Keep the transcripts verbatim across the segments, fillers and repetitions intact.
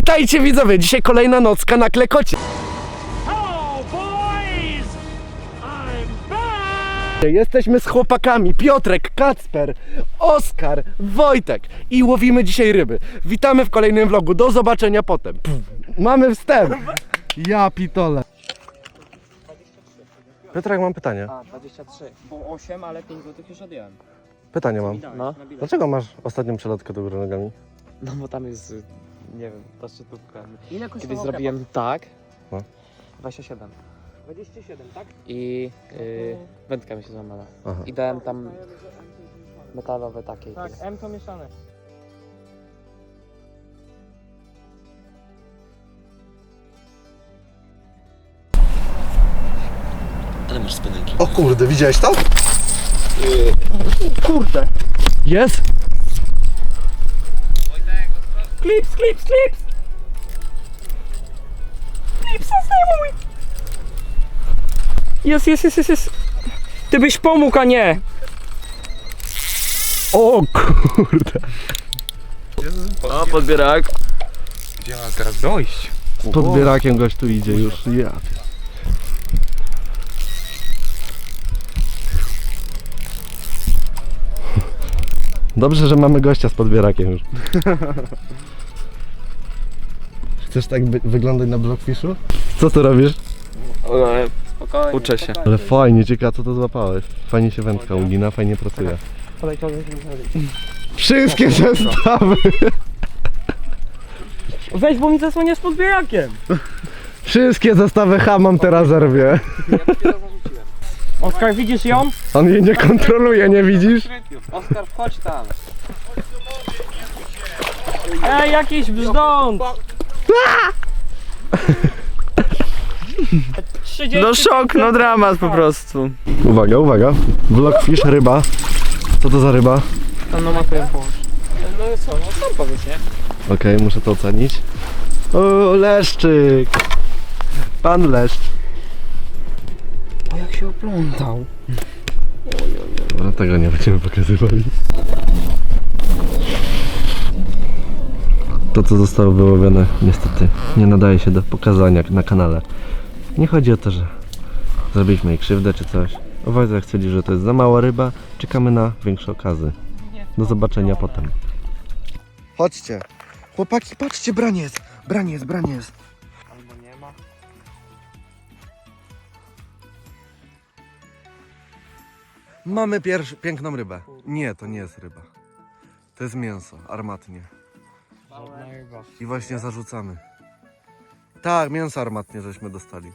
Witajcie widzowie, dzisiaj kolejna nocka na Klekocie. Jesteśmy z chłopakami Piotrek, Kacper, Oskar, Wojtek i łowimy dzisiaj ryby. Witamy w kolejnym vlogu, do zobaczenia potem. Pff, mamy wstęp. Ja pitole. Piotrek, mam pytanie. A, dwadzieścia trzy. Było osiem, ale pięć złotych już odjąłem. Pytanie mam. No. Dlaczego masz ostatnią przelotkę do góry nogami? No bo tam jest, nie wiem, ta szczytówka. Ile Kiedyś kosztował zrobiłem tak. No. dwadzieścia siedem. dwadzieścia siedem, tak? I yy, wędka mi się złamała. Aha. I dałem tam metalowe takie. i Tak, tyle. M to mieszane. Ale masz spinęki. O kurde, widziałeś to? Kurde! Jest? Klips, klips, klips! Klipsa zdejmuj! Jest, jest, jest, jest, jest. Ty byś pomógł, a nie! O kurde. O, podbierak. Gdzie mam teraz dojść? Z podbierakiem gość tu idzie już. Ja. Dobrze, że mamy gościa z podbierakiem już. Chcesz tak by wyglądać na Blockfishu? Co ty robisz? Ale spokojnie. Uczę się. Ale fajnie, ciekawe co to złapałeś. Fajnie się wędka ugina, fajnie pracuje. Wszystkie zestawy! Weź, bo mi zasłaniasz podbierakiem! Wszystkie zestawy H mam teraz zerwie. Oskar, widzisz ją? On jej nie kontroluje, nie widzisz? Oskar, wchodź tam. Ej, jakiś brzdąc! trzydzieści No szok, no dramat po prostu. Uwaga, uwaga. Blockfish, ryba. Co to za ryba? Tam no ma twoją połóż. No co, no sam powiedz, nie? Okej, okay, muszę to ocenić. O, leszczyk! Pan leszcz. O, jak się oplątał. Dobra, tego nie będziemy pokazywali. To, co zostało wyłowione, niestety nie nadaje się do pokazania na kanale. Nie chodzi o to, że zrobiliśmy jej krzywdę czy coś. Wojtek stwierdził, że to jest za mała ryba. Czekamy na większe okazy. Do zobaczenia potem. Chodźcie. Chłopaki, patrzcie, braniec. Braniec, braniec. Albo nie ma. Mamy pierwszy, piękną rybę. Nie, to nie jest ryba. To jest mięso, armatnie. Żadna ryba. I właśnie zarzucamy. Tak, mięso armatnie żeśmy dostali.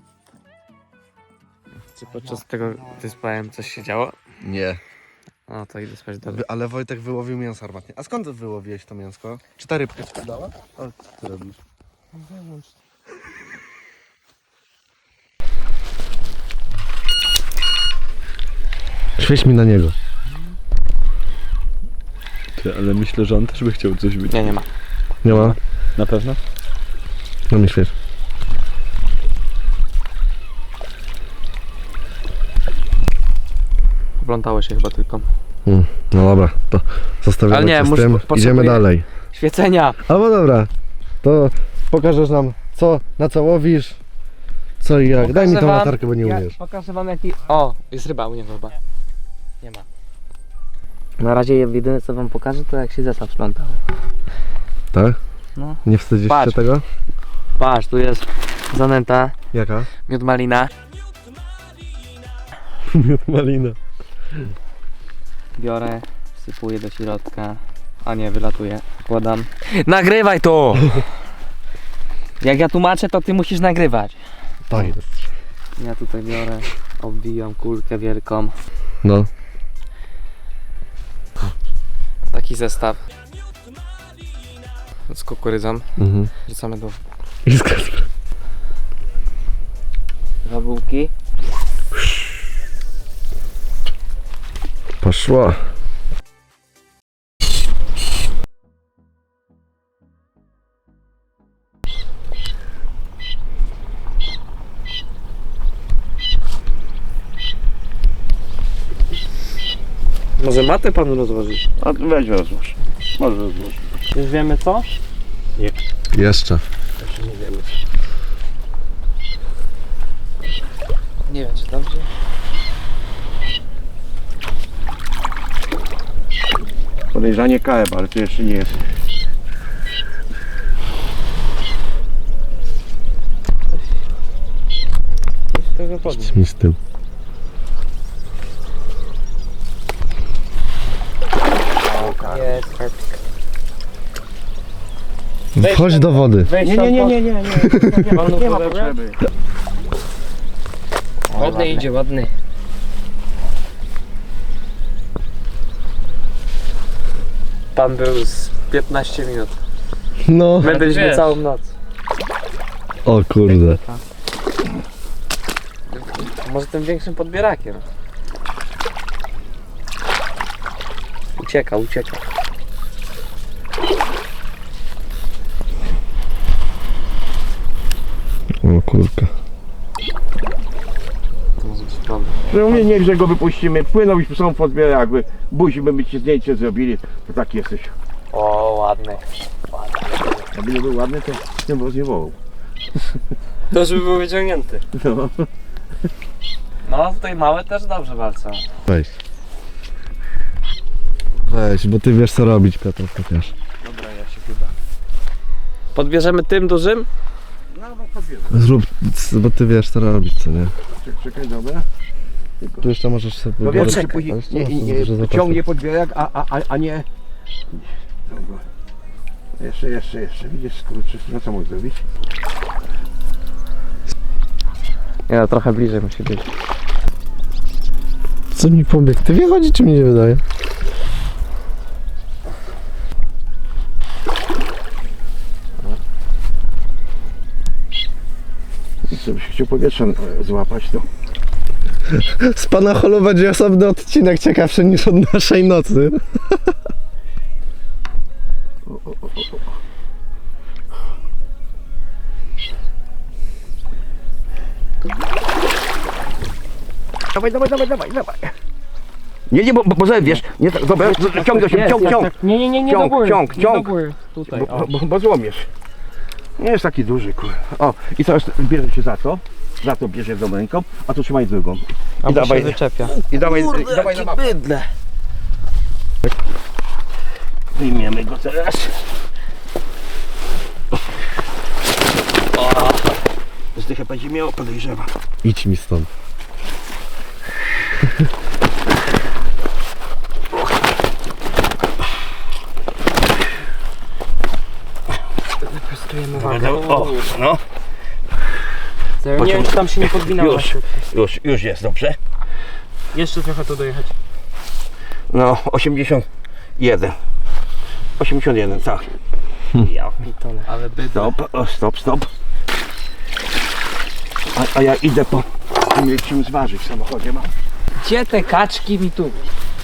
Czy podczas tego wyspałem coś się działo? Nie. No to idę spać do... Wy, ale Wojtek wyłowił mięso armatnie. A skąd wyłowiłeś to mięsko? Czy ta rybka ci dała? O, co ty robisz? Świeć mi na niego. Ty, ale myślę, że on też by chciał coś być. Nie, nie ma. Nie ma? Na pewno? No mi świeć. Oplątało się chyba tylko. Hmm, no dobra, to zostawiamy Ale nie, cię z muszę- tym. potrzebuję- Idziemy dalej. Świecenia! Albo dobra, to pokażesz nam co, na co łowisz, co i jak. Daj mi tą Pokażę wam, latarkę, bo nie ja umiesz. Pokażę wam jaki... O! Jest ryba u niego chyba. Nie ma. Na razie jedyne co wam pokażę to jak się zestaw splątał. Tak? No. Nie wstydzisz się Patrz. tego? Patrz, tu jest zanęta, Jaka? miód malina. Miód malina. Biorę, wsypuję do środka. A nie, wylatuje. Wkładam. Nagrywaj to! Jak ja tłumaczę, to ty musisz nagrywać. Tak jest. Ja tutaj biorę, obwijam kulkę wielką. No. Taki zestaw. Z kukurydzą. Mhm. Wrzucamy do I z Kasper. dwa bułki. Poszło. Może matę panu rozłożyć? A weź rozłóż. Może rozłóż. Już wiemy co? Nie. Jeszcze. Jeszcze nie wiemy. Nie wiem, czy dobrze. Podejrzanie kaeb, ale to jeszcze nie jest. Coś to wychodzi. Idź mi z tym. Jest, Wchodź do wody. Weź Nie, nie, nie, nie, nie, nie, nie, ma, nie ma potrzeby. ładny idzie, ładny. Pan był z piętnaście minut. No. Będziemy wiesz. całą noc. O kurde. Może tym większym podbierakiem. Ucieka, ucieka. O kurka. No mnie niech, że go wypuścimy. Płynął już są podbierak, jakby musimy by ci zdjęcie zrobili, to tak jesteś. O, ładny. Jakby nie był ładny, to bym was nie wołał. To żeby był wyciągnięty. No. No, tutaj małe też dobrze walczą. Weź. Weź, bo ty wiesz co robić, Piotr, chociaż. Dobra, ja się chyba. Podbierzemy tym dużym? No, no podbieram. Zrób, bo ty wiesz co robić, co nie? Czekaj, czekaj, dobra. Tu jeszcze możesz sobie No wiesz, pogadać. że później Ale nie, są nie, duże nie zapasy. ciągnie podbierak, a, a, a, a nie... Dobra. Jeszcze, jeszcze, jeszcze. Widzisz, skurczy. No co mógł zrobić? Nie no, trochę bliżej musi być. Co mi po obiektywie chodzi, czy mi nie wydaje? Co byś chciał powietrza e, złapać, to... Z pana holu będzie osobny odcinek ciekawszy niż od naszej nocy. O, o, o, o. Dawaj, dawaj, dawaj, dawaj, dawaj. Nie, nie, bo, bo zerwiesz. Nie, tak, dobra, ciąg do siebie, ciąg, ciąg. Nie, nie, nie, nie Ciąg, do góry. ciąg, nie ciąg. do góry. Tutaj, Bo, o. bo, bo złomiesz. Nie jest taki duży, kur. O, i teraz bierze cię za to. Za to bierze jedną ręką, a tu trzymaj drugą. Albo dawaj. się wyczepia. I dawaj, i dawaj na mapę. bydle. Wyjmiemy go teraz. O, zdychę będzie miało, podejrzewam. Idź mi stąd. Wyprostujemy Dobra, wagę. O, no, Nie wiem, czy tam się nie podwinęło. Już. już, już jest, dobrze. Jeszcze trochę tu dojechać. No, osiemdziesiąt jeden. osiemdziesiąt jeden, tak. Ja pitole. Ale bydle. Stop, o, stop, stop. A, a ja idę po... Nie czym zważyć w samochodzie mam. Gdzie te kaczki mi tu?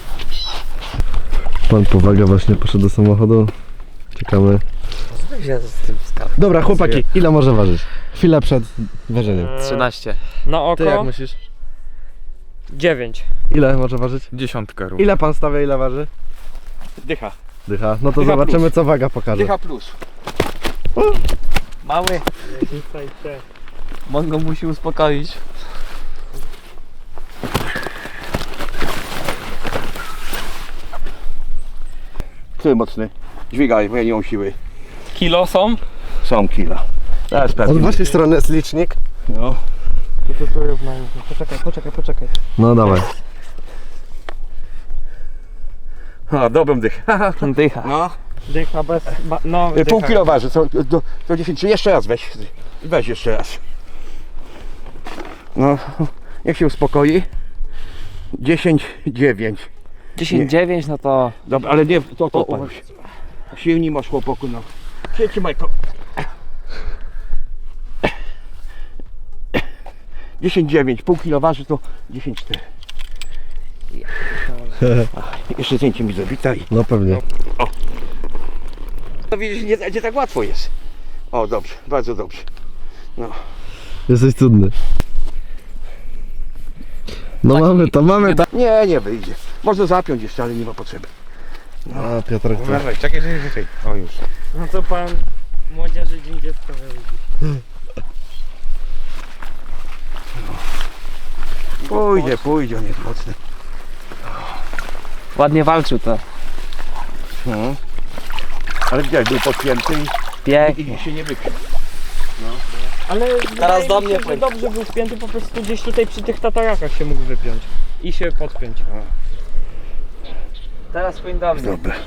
Pan powaga właśnie poszedł do samochodu. Czekamy. Ja z tym skarbem. Dobra, chłopaki, ile może ważyć? Chwilę przed ważeniem. trzynaście. Na oko Ty jak myślisz? dziewięć. Ile może ważyć? Dziesiątka rób. Ile pan stawia, ile waży? Dycha. Dycha. No to Dycha zobaczymy plus. co waga pokaże. Dycha plus. Mały. Mongo musi uspokoić. Ty mocny. Dźwigaj, bo ja nie mam siły. Kilo są? Są kila. Teraz Od pewnie. waszej strony jest licznik. No. Tu, tu, tu równajmy. Poczekaj, poczekaj, poczekaj. No dawaj. A, dobrą dych. Dycha. No. Dycha bez... Ba, no, Y, Pół dycha. kilo waży, co, do, do dziesięć. Jeszcze raz weź. Weź jeszcze raz. No, niech się uspokoi. dziesięć dziewięć. dziesięć dziewięć, no to... Dobra, ale nie, to, to, to. Silni masz chłopaku, no. Trzymaj to. dziesięć dziewięć, pół kilo waży to dziesięć cztery. Jeszcze zdjęcie mi zrobi, tak. No pewnie. No widzisz, nie, nie tak łatwo jest. O, dobrze, bardzo dobrze. No. Jesteś cudny. No mamy to, mamy to. Nie, nie wyjdzie. Można zapiąć jeszcze, ale nie ma potrzeby. A Piotrek, co? Uważaj, czekaj, czekaj, czekaj. O już. No to pan Młodzieży Dzień Dziecka wychodzi. Pójdzie, pójdzie, on jest mocny. Ładnie walczył to. No. Ale widziałeś, był podpięty i, Pięknie. i się nie wypił. Ale Teraz do wydaje mi mnie się, że płyń. dobrze był wpięty, po prostu gdzieś tutaj przy tych tatarakach się mógł wypiąć. I się podpiąć. Teraz płyń do mnie. Dobra.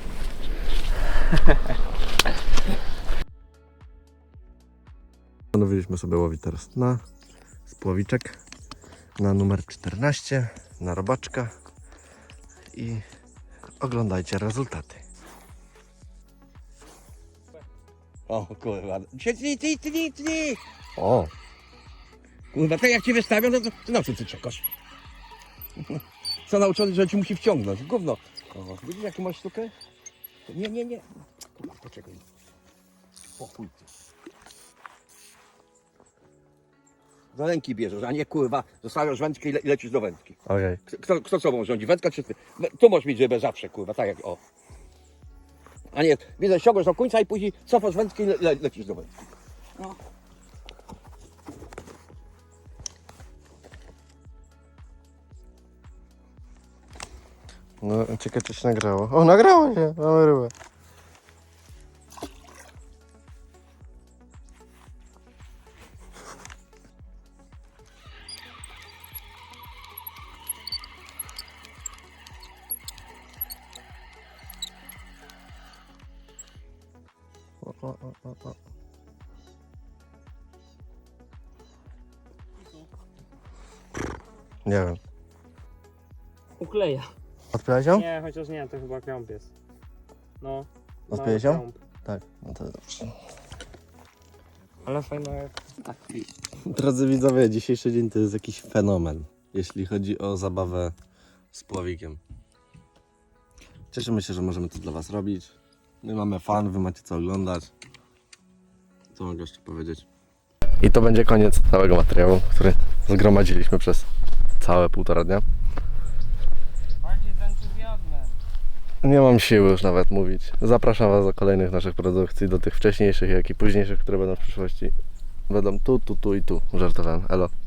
Postanowiliśmy sobie łowić teraz na spłowiczek, na numer czternaście, na robaczka i oglądajcie rezultaty. O kurwa, tnij, tnij, tnij, tnij. O, Kurwa, tak jak cię wystawią, no to, to na co ty czekasz? Co nauczony, że ci musi wciągnąć, gówno. O, widzisz jaką masz sztukę? Nie, nie, nie. Kurwa, poczekaj. O chuj ty. Do ręki bierzesz, a nie kurwa, zostawiasz wędkę i le lecisz do wędki. ojej. Kto, kto sobą rządzi, wędka czy ty? Tu możesz mieć rybę zawsze, kurwa, tak jak o. A nie, widzę, ściągasz do końca i później cofasz wędkę i le le lecisz do wędki. No. No, ciekawe czy się nagrało. O, nagrało się, mamy rybę. O, o, o, o, o. Nie wiem. Ukleja. Odpyłeś ją? Nie, chociaż nie, to chyba krąb jest. No. Odpyłeś mały ją? krąb. Tak, no to dobrze. Ale fajna. Drodzy widzowie, dzisiejszy dzień to jest jakiś fenomen, jeśli chodzi o zabawę z pławikiem. Cieszymy się, że możemy to dla Was robić. My mamy fan, Wy macie co oglądać. Co mogę jeszcze powiedzieć? I to będzie koniec całego materiału, który zgromadziliśmy przez całe półtora dnia. Bardziej z entuzjazmem. Nie mam siły już nawet mówić. Zapraszam Was do kolejnych naszych produkcji, do tych wcześniejszych, jak i późniejszych, które będą w przyszłości. Będą tu, tu, tu i tu. Żartowałem. Elo.